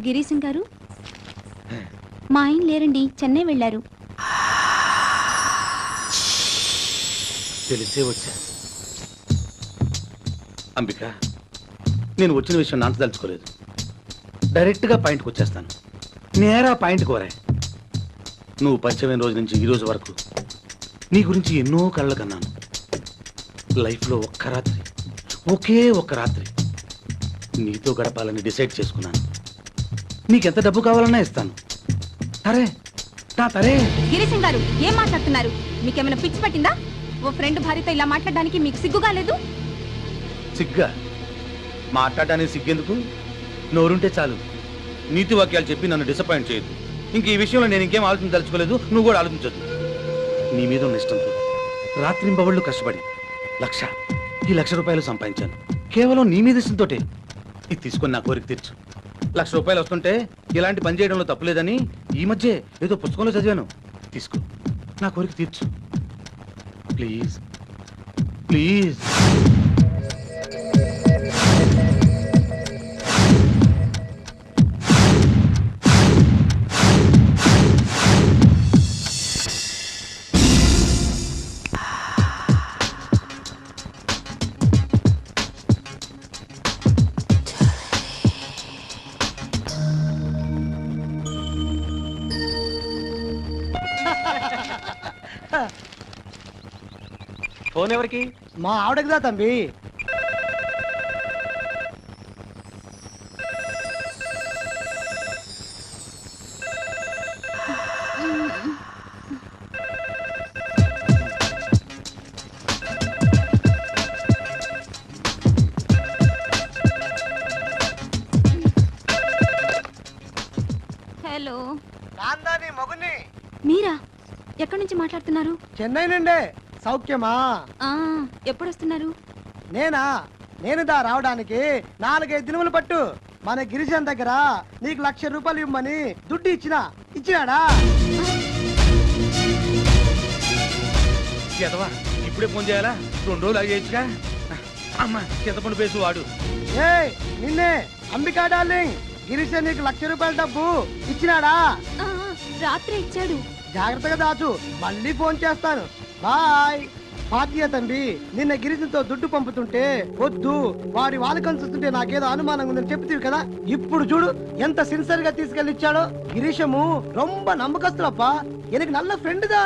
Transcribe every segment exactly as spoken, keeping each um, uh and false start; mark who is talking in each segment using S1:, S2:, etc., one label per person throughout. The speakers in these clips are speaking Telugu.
S1: గిరీశం గారు, మా ఆయన లేరండి, చెన్నై వెళ్ళారు.
S2: తెలిసే వచ్చా. అంబిక, నేను వచ్చిన విషయం నాంత తలుచుకోలేదు. డైరెక్ట్గా పాయింట్కి వచ్చేస్తాను. నేరా పాయింట్ కోరా. నువ్వు పరిచయమైన రోజు నుంచి ఈ రోజు వరకు నీ గురించి ఎన్నో కళ్ళ కన్నాను. లైఫ్లో ఒక్క రాత్రి, ఒకే ఒక్క రాత్రి నీతో గడపాలని డిసైడ్ చేసుకున్నాను. నీకెంత డబ్బు కావాలన్నా ఇస్తాను. తరే నా తరే.
S1: గిరీశం గారు, ఏం మాట్లాడుతున్నారు? మీకేమైనా పిచ్చి పట్టిందా? ఓ ఫ్రెండ్ భార్యతో ఇలా మాట్లాడడానికి మీకు సిగ్గుగా లేదు?
S2: సిగ్గా? మాట్లాడడానికి సిగ్గెందుకు? నోరుంటే చాలు. నీతి వాక్యాలు చెప్పి నన్ను డిసప్పాయింట్ చేయొద్దు. ఇంక ఈ విషయంలో నేను ఇంకేం ఆలోచించదలుచుకోలేదు. నువ్వు కూడా ఆలోచించొద్దు. నీ మీద ఉన్న ఇష్టంతో రాత్రింబవళ్ళు కష్టపడి లక్ష ఈ లక్ష రూపాయలు సంపాదించాను. కేవలం నీ మీద ఇష్టంతోటే. ఇది తీసుకొని నా కోరిక తీర్చు. లక్ష రూపాయలు వస్తుంటే ఇలాంటి పని చేయడంలో తప్పులేదని ఈ మధ్య ఏదో పుస్తకంలో చదివాను. తీసుకో, నా కోరిక తీర్చు ప్లీజ్ ప్లీజ్.
S3: ఫోన్ ఎవరికి?
S4: మా ఆవిడకిదా తంబి.
S1: హలో,
S4: కాందాని మొగుని.
S1: మీరా? ఎక్కడి నుంచి మాట్లాడుతున్నారు?
S4: చెన్నై నుండే. సౌఖ్యమా?
S1: ఆ, ఎప్పుడు వస్తున్నారు?
S4: నేనా? నేను దా రావడానికి నాలుగైదు దినములు పట్టు. మన గిరిజన్ దగ్గర నీకు లక్ష రూపాయలు ఇవ్వమని దుడ్డు ఇచ్చినా ఇచ్చినాడా?
S2: చేతవా ఇప్పుడే ఫోన్ చేయాలా? రెండు రోజులు అయ్యేచ్చుగా. అమ్మా చేతపండు పేసు వాడు.
S4: ఏ నిన్నే అంబికా డార్లింగ్, గిరిజన్ నీకు లక్ష రూపాయల డబ్బు ఇచ్చినాడా?
S1: ఆ, రాత్రి ఇచ్చాడు.
S4: జాగ్రత్తగా దాచు, మళ్ళీ ఫోన్ చేస్తాను. బాయ్. పార్టీయ తంబి, నిన్న గిరిజన్తో దుడ్డు పంపుతుంటే వద్దు, వాడి వాళ్ళకం చూస్తుంటే నాకేదో అనుమానంగా ఉందని చెప్తీవి కదా. ఇప్పుడు చూడు ఎంత సిన్సియర్ గా తీసుకెళ్లి ఇచ్చాడో. గిరీశము రొంబ నమ్మకస్తులప్ప, ఎనకు నల్ల ఫ్రెండ్ దా.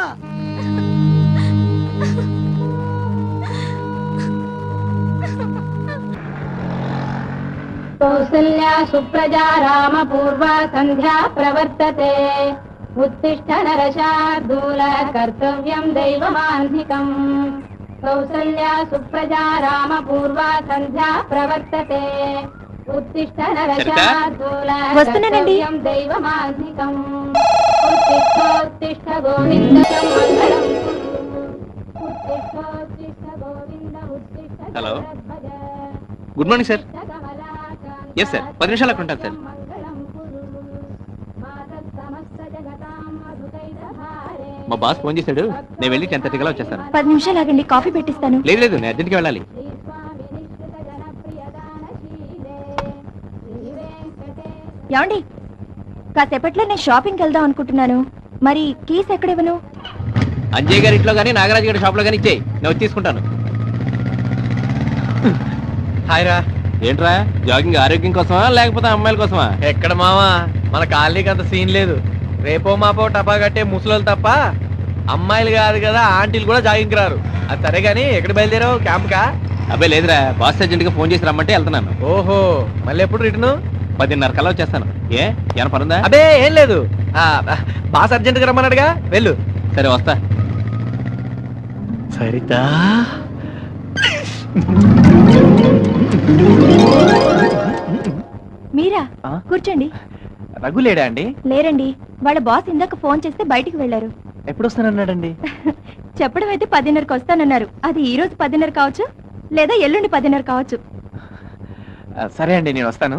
S5: కౌసల్యా సుప్రజా రామ పూర్వ సంధ్యా ప్రవర్తతే. उत्तिष्ठ नरशार्दूल कर्तव्यं दैवमान्धिकम्. कौसल्या सुप्रजा राम पूर्वा संध्या प्रवर्तते. उत्तिष्ठ नरशार्दूल कर्तव्यं दैवमान्धिकम्. उत्तिष्ठ उत्तिष्ठ गोविन्द मङ्गलम् कुरु. उत्तिष्ठ उत्तिष्ठ गोविन्द उत्तिष्ठ.
S3: Hello, good morning sir. Yes sir, పది నిమిషాలు అక్కడ ఉంటాను సార్. మా బాస్ ఫోన్ చేశాడు, నేను వెళ్ళి టెన్ థర్టీ కల్లా వచ్చేస్తాను.
S1: పది నిమిషాలు ఆగండి, కాఫీ పెట్టిస్తాను.
S3: లేదు లేదు, నేను అర్జెంట్గా వెళ్ళాలి.
S1: ఏమండి, కాసేపట్లో నేను షాపింగ్కి వెళ్దాం అనుకుంటున్నాను. మరి కీస్ ఎక్కడివ్వను?
S3: అంజయ్ గారి ఇంట్లో కానీ నాగరాజు గారి షాప్లో కానీ ఇచ్చేయి, నేను వచ్చి తీసుకుంటాను. హాయ్ రా. ఏంట్రా, జాగింగ్ ఆరోగ్యం కోసమా లేకపోతే అమ్మాయిల కోసమా?
S6: ఎక్కడ మావా, మన కాలనీకి అంత సీన్ లేదు. రేపో మాపో టపా కట్టే ముసలోళ్ళు తప్ప అమ్మాయిలు కాదు కదా, ఆంటీలు కూడా జాగింగ్కి రారు. అది సరే గానీ ఎక్కడ బయలుదేరావు? క్యాంప్ కా?
S3: అబ్బాయి లేదురా, బాస్ అర్జెంట్ గా ఫోన్ చేసి రమ్మంటే వెళ్తున్నాను.
S6: ఓహో, మళ్ళీ ఎప్పుడు రిటర్న్?
S3: పదిన్నర కల్లా వచ్చేస్తాను. ఏ ఏమైనా పనుందా?
S6: అదే ఏం లేదు, బాస్ అర్జెంట్ గా రమ్మన్నాడుగా, వెళ్ళు.
S3: సరే వస్తా.
S6: సరితా
S1: మీరా? కూర్చోండి.
S6: రఘు లేడా అండి?
S1: లేరండి, వాళ్ళ బాస్ ఇందాక ఫోన్ చేస్తే బయటికి వెళ్లారు.
S6: ఎప్పుడు వస్తానన్నాడండి?
S1: చెప్పడం అయితే పదిన్నరకు వస్తానన్నారు. అది ఈ రోజు పదిన్నర కావచ్చు, లేదా ఎల్లుండి పదిన్నర కావచ్చు.
S6: సరే అండి, నేను వస్తాను.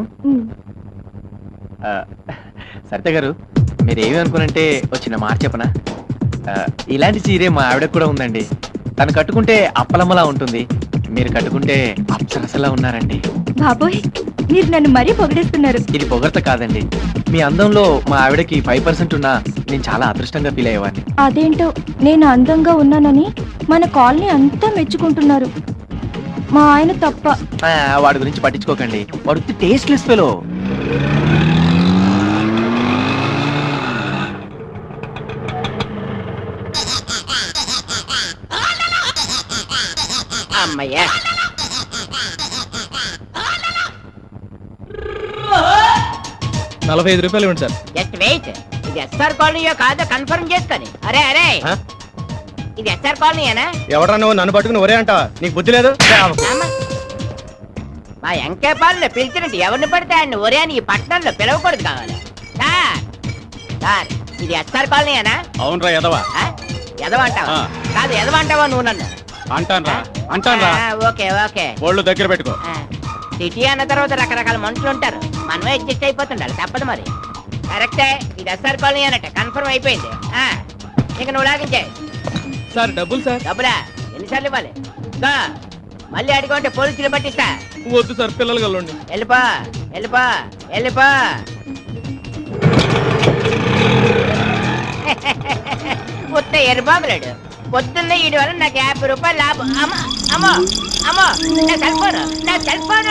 S6: సరిత గారు, మీరేమి అనుకునంటే వచ్చిన మాట చెప్పనా? ఇలాంటి చీరే మా ఆవిడకు కూడా ఉందండి. తను కట్టుకుంటే అప్పలమ్మలా ఉంటుంది, మీరు కట్టుకుంటే అప్సరసలా ఉన్నారండి.
S1: బాబోయ్, మీరు నన్ను మరీ పొగిడేస్తున్నారు.
S6: ఇది పొగడ్త కాదండి, మీ అందంలో మా ఆవిడకి ఫైవ్ పర్సెంట్ ఉన్నా నేను చాలా అదృష్టంగా ఫీల్ అయ్యేవాడిని.
S1: అదేంటో నేను అందంగా ఉన్నానని మన కాలనీ అంతా మెచ్చుకుంటున్నారు, మా ఆయన తప్ప.
S6: ఆ, వాడి గురించి పట్టించుకోకండి, వాడు టేస్ట్లెస్ ఫెలో.
S7: అమ్మయ్యా,
S6: నలభై ఐదు రూపాయలు ఇవ్వండి సార్.
S7: Just wait. ఇది ఎస్ఆర్ కాలనీయో కాదో కన్ఫర్మ్ చేసుకొని. అరే అరే, ఇది ఎస్ఆర్ కాలనీయేనా?
S2: ఎవడన్నా నువ్వు నన్ను పట్టుకుని ఒరే అంటావా? నీకు బుద్ధి లేదు?
S7: అమ్మ. మా ఎంకేపాలను పిలిచినట్టు ఎవరిని పడితే ఆయన ఒరే అని ఈ పట్టణంలో పిలవకూడదు కావాలి. సార్ సార్, ఇది ఎస్ఆర్ కాలనీయేనా?
S2: అవునరా ఎదవా.
S7: ఆ? ఎదవంటావా? కాదు, ఎదవంటావా నువ్వు నన్ను?
S2: అంటాన్రా
S7: ఆ, ఓకే ఓకే.
S2: ఒళ్ళు దగ్గర పెట్టుకో.
S7: ఆ, సిటీ అన్న తర్వాత రకరకాల మనుషులు ఉంటారు, మనమే అడ్జస్ట్ అయిపోతుండాలి, తప్పదు మరి. కరెక్టే, ఇది ఎస్ఆర్ కాలనీ అన్నట్టు కన్ఫర్మ్ అయిపోయింది. ఆ, ఇక నువ్వు లాగించే.
S6: సార్ డబ్బులు సార్.
S7: డబ్బులా ఎన్నిసార్లు ఇవ్వాలి? ఇంకా మళ్ళీ అడిగంటే పోలీసులు పట్టిస్తా.
S6: వద్దు సార్, పిల్లలు కలండి.
S7: వెళ్ళిపో వెళ్ళిపో వెళ్ళిపో. ఉత్త ఎరుబాబులాడు. పొద్దున్న ఈడి వల్ల నాకు యాభై రూపాయలు లాభం. అమ్మో అమ్మో అమ్మో, నా సెల్ ఫోన్ నా సెల్ ఫోన్.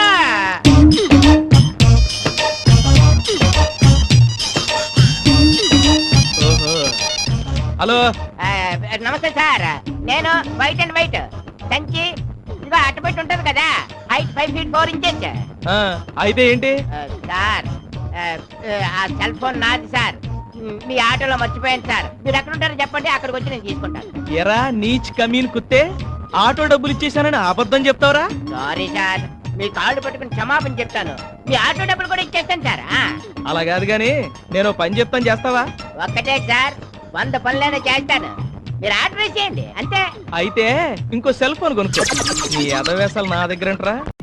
S6: హలో,
S7: ఆ, నమస్తే సార్, నేను వైట్ అండ్ వైట్ సంచి ఇదిగో అట్టబెట్టి ఉంటది కదా, height five feet four inches.
S6: ఆ, అయితే ఏంటి?
S7: సార్, ఆ, ఆ సెల్ ఫోన్ నాది సార్, మీ ఆటోలో మర్చిపోయాను సార్. మీరు ఎక్కడ ఉంటారో చెప్పండి, అక్కడికి వచ్చి నేను తీసుకుంటాను.
S6: ఎరా నీచ్ కమీన్ కుత్తే, ఆటో డబ్బులు ఇచ్చేసానని అబద్ధం చెప్తావరా?
S7: సారీ సార్, మీ కాళ్ళు పట్టుకుని క్షమాపణ చెప్తాను. మీ ఆటో డబ్బులు కూడా ఇచ్చేస్తాను సార్. ఆ,
S6: అలా కాదు గాని నేను పని చెప్తాను, చేస్తావా?
S7: ఒక్కటే సార్, వంద పనులైనా చేస్తాను, మీరు ఆర్డర్ చేయండి అంతే.
S6: అయితే ఇంకో సెల్ ఫోన్ కొనుక్కో. నీ అదవేశాలు నా దగ్గర